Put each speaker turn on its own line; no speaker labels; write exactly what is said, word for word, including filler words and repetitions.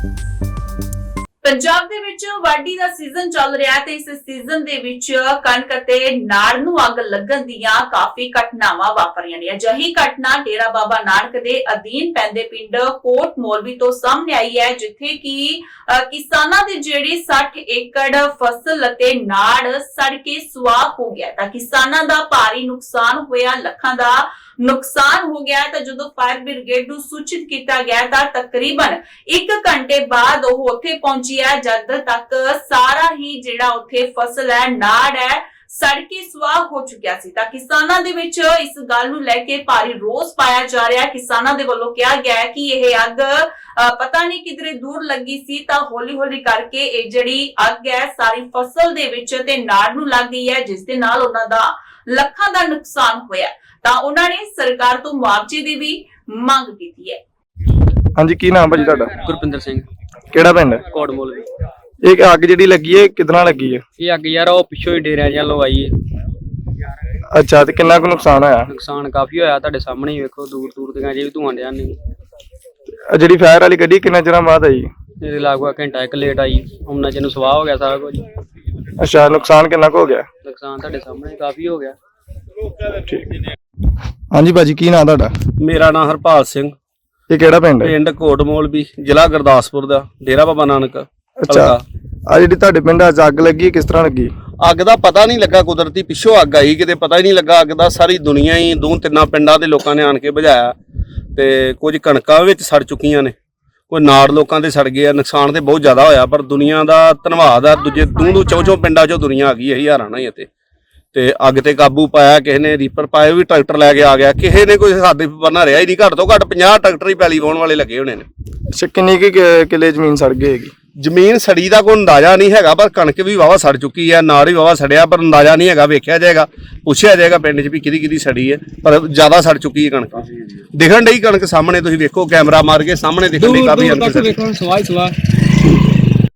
ਪੰਜਾਬ ਦੇ ਵਿੱਚ ਵਾਢੀ ਦਾ ਸੀਜ਼ਨ ਚੱਲ ਰਿਹਾ ਹੈ ਤੇ ਇਸ ਸੀਜ਼ਨ ਦੇ ਵਿੱਚ ਕਣਕ ਅਤੇ ਨਾੜ ਨੂੰ ਅੱਗ ਲੱਗਣ ਦੀਆਂ ਕਾਫੀ ਘਟਨਾਵਾਂ ਵਾਪਰੀਆਂ ਨੇ। ਅਜਿਹੀ ਘਟਨਾ ਡੇਰਾ ਬਾਬਾ ਨਾਨਕ ਦੇ ਅਧੀਨ ਪੈਂਦੇ ਪਿੰਡ ਕੋਟ ਮੋਲਵੀ ਤੋਂ ਸਾਹਮਣੇ ਆਈ ਹੈ, ਜਿੱਥੇ ਕਿ ਕਿਸਾਨਾਂ ਦੀ ਜਿਹੜੀ ਸੱਠ ਏਕੜ ਫਸਲ ਅਤੇ ਨਾੜ ਸੜ ਕੇ ਸੁਆਹ ਹੋ ਗਿਆ ਤਾਂ ਕਿਸਾਨਾਂ ਦਾ ਭਾਰੀ ਨੁਕਸਾਨ ਹੋਇਆ, ਲੱਖਾਂ ਦਾ ਨੁਕਸਾਨ ਹੋ ਗਿਆ। ਤਾਂ ਜਦੋਂ ਫਾਇਰ ਬ੍ਰਿਗੇਡ ਨੂੰ ਸੂਚਿਤ ਕੀਤਾ ਗਿਆ ਤਾਂ ਤਕਰੀਬਨ ਇੱਕ ਘੰਟੇ ਬਾਅਦ ਉਹ ਉੱਥੇ ਪਹੁੰਚੀ ਹੈ, ਜਦ ਤੱਕ ਸਾਰਾ ਹੀ ਜਿਹੜਾ ਉੱਥੇ ਫਸਲ ਹੈ, ਨਾੜ ਹੈ, ਸੜ ਕੇ ਸੁਆਹ ਹੋ ਚੁੱਕਿਆ ਸੀ। ਤਾਂ ਕਿਸਾਨਾਂ ਦੇ ਵਿੱਚ ਇਸ ਗੱਲ ਨੂੰ ਲੈ ਕੇ ਭਾਰੀ ਰੋਸ ਪਾਇਆ ਜਾ ਰਿਹਾ ਹੈ। ਕਿਸਾਨਾਂ ਦੇ ਵੱਲੋਂ ਕਿਹਾ ਗਿਆ ਹੈ ਕਿ ਇਹ ਅੱਗ ਪਤਾ ਨਹੀਂ ਕਿਧਰੇ ਦੂਰ ਲੱਗੀ ਸੀ ਤਾਂ ਹੌਲੀ-ਹੌਲੀ ਕਰਕੇ ਇਹ ਜਿਹੜੀ ਅੱਗ ਹੈ ਸਾਰੀ ਫਸਲ ਦੇ ਵਿੱਚ ਤੇ ਨਾੜ ਨੂੰ ਲੱਗ ਗਈ ਹੈ, ਜਿਸ ਦੇ ਨਾਲ ਉਹਨਾਂ ਦਾ ਲੱਖਾਂ ਦਾ ਨੁਕਸਾਨ ਹੋਇਆ। ਤਾਂ ਉਹਨਾਂ ਨੇ ਸਰਕਾਰ ਤੋਂ ਮੁਆਵਜ਼ੇ ਦੀ ਵੀ ਮੰਗ ਕੀਤੀ ਹੈ।
ਹਾਂਜੀ, ਕੀ ਨਾਮ ਭਾਜੀ ਤੁਹਾਡਾ?
ਗੁਰਪਿੰਦਰ ਸਿੰਘ,
ਕਿਹੜਾ ਪਿੰਡ?
ਕੋਟਮੋਲ।
ਇਹ ਅੱਗ ਜਿਹੜੀ ਲੱਗੀ ਹੈ ਕਿਦਾਂ ਲੱਗੀ ਹੈ?
ਇਹ ਅੱਗ ਯਾਰ ਉਹ ਪਿੱਛੋਂ ਹੀ ਡੇਰਿਆਂ ਵੱਲੋਂ ਆਈ ਹੈ।
ਅੱਛਾ, ਤੇ ਕਿੰਨਾ ਕੁ ਨੁਕਸਾਨ ਹੋਇਆ?
ਨੁਕਸਾਨ ਕਾਫੀ ਹੋਇਆ, ਤੁਹਾਡੇ ਸਾਹਮਣੇ ਹੀ ਵੇਖੋ, ਦੂਰ ਦੂਰ ਤੱਕ ਜੇ ਵੀ ਧੂਆਂ ਡਿਆ ਨਹੀਂ।
ਜਿਹੜੀ ਫਾਇਰ ਵਾਲੀ ਗੱਡੀ ਕਿੰਨੇ ਚਿਰਾਂ ਬਾਅਦ ਆਈ?
ਇਹਦੇ ਲਗਭਗ ਘੰਟਾ ਇੱਕ ਲੇਟ ਆਈ, ਉਹਨਾਂ ਚ ਨੂੰ ਸਵਾਹ ਹੋ ਗਿਆ ਸਾਰਾ ਕੁਝ।
ਅੱਛਾ, ਨੁਕਸਾਨ ਕਿੰਨਾ ਕੁ ਹੋ ਗਿਆ?
ਨੁਕਸਾਨ ਤੁਹਾਡੇ ਸਾਹਮਣੇ ਕਾਫੀ ਹੋ ਗਿਆ।
ਠੀਕ। ਹਾਂਜੀ ਭਾਜੀ, ਕੀ ਨਾਮ ਤੁਹਾਡਾ?
ਮੇਰਾ ਨਾਮ ਹਰਪਾਲ ਸਿੰਘ।
ਇਹ ਕਿਹੜਾ ਪਿੰਡ ਹੈ?
ਪਿੰਡ ਕੋਟਮੋਲ ਵੀ, ਜ਼ਿਲ੍ਹਾ ਗੁਰਦਾਸਪੁਰ ਦਾ, ਡੇਰਾ ਬਾਬਾ ਨਾਨਕ।
ਅੱਛਾ, ਆ ਜਿਹੜੀ ਤੁਹਾਡੇ ਪਿੰਡ ਅੱਜ ਅੱਗ ਲੱਗੀ ਕਿਸ ਤਰ੍ਹਾਂ ਲੱਗੀ?
ਅੱਗ ਦਾ ਪਤਾ ਨਹੀਂ ਲੱਗਾ, ਕੁਦਰਤੀ ਪਿੱਛੋਂ ਅੱਗ ਆਈ, ਕਿਤੇ ਪਤਾ ਹੀ ਨਹੀਂ ਲੱਗਾ ਅੱਗ ਦਾ। ਸਾਰੀ ਦੁਨੀਆ ਹੀ ਦੋ ਤਿੰਨਾਂ ਪਿੰਡਾਂ ਦੇ ਲੋਕਾਂ ਨੇ ਆਣ ਕੇ ਬੁਝਾਇਆ ਤੇ ਕੁਝ ਕਣਕਾਂ ਵਿੱਚ ਸੜ ਚੁੱਕੀਆਂ ਨੇ, ਕੋਈ ਨਾੜ ਲੋਕਾਂ ਦੇ ਸੜ ਗਏ ਆ। ਨੁਕਸਾਨ ਤੇ ਬਹੁਤ ਜ਼ਿਆਦਾ ਹੋਇਆ, ਪਰ ਦੁਨੀਆ ਦਾ ਧੰਨਵਾਦ ਆ, ਦੂਜੇ ਦੂੰ ਦੂ ਚੌ ਚੌ ਪਿੰਡਾਂ ਚੋਂ ਦੁਨੀਆ ਆ ਗਈ ਹੈ ਹਜ਼ਾਰਾਂ ਨਾਲ ਹੀ। ਅਤੇ ਤੇ ਅੱਗ ਤੇ ਕਾਬੂ ਪਾਇਆ, ਕਿਸੇ ਨੇ ਰੀਪਰ ਪਾਏ, ਵੀ ਟਰੈਕਟਰ ਲੈ ਕੇ ਆ ਗਿਆ, ਕਿਸੇ ਨੇ ਕੋਈ ਹੱਦ ਬੰਨਾ ਰਿਹਾ ਹੀ ਨਹੀਂ। ਘੱਟ ਤੋਂ ਘੱਟ ਪੰਜਾਹ ਟਰੈਕਟਰ ਹੀ ਪੈਲੀ ਵਾਹੁਣ ਵਾਲੇ ਲੱਗੇ ਹੋਣੇ ਨੇ।
ਅੱਛਾ, ਕਿੰਨੀ ਕੁ ਕਿੱਲੇ ਜ਼ਮੀਨ ਸੜ ਗਈ ਹੈਗੀ?
ਜ਼ਮੀਨ ਸੜੀ ਦਾ ਕੋਈ ਅੰਦਾਜ਼ਾ ਨਹੀਂ ਹੈਗਾ, ਪਰ ਕਣਕ ਵੀ ਵਾਵਾ ਸੜ ਚੁੱਕੀ ਹੈ, ਨਾੜ ਵੀ ਵਾਵਾ ਸੜਿਆ, ਪਰ ਅੰਦਾਜ਼ਾ ਨਹੀਂ ਹੈਗਾ। ਵੇਖਿਆ ਜਾਏਗਾ, ਪੁੱਛਿਆ ਜਾਏਗਾ ਪਿੰਡ 'ਚ ਵੀ ਕਿਹਦੀ ਕਿਹਦੀ ਸੜੀ ਹੈ, ਪਰ ਜ਼ਿਆਦਾ ਸੜ ਚੁੱਕੀ ਹੈ ਕਣਕ। ਦਿਖਣ ਡਈ ਕਣਕ ਸਾਹਮਣੇ, ਤੁਸੀਂ ਵੇਖੋ, ਕੈਮਰਾ ਮਾਰ ਕੇ ਸਾਹਮਣੇ ਦਿਖਣ ਡਈ ਕਾਫੀ ਅੰਦਰ।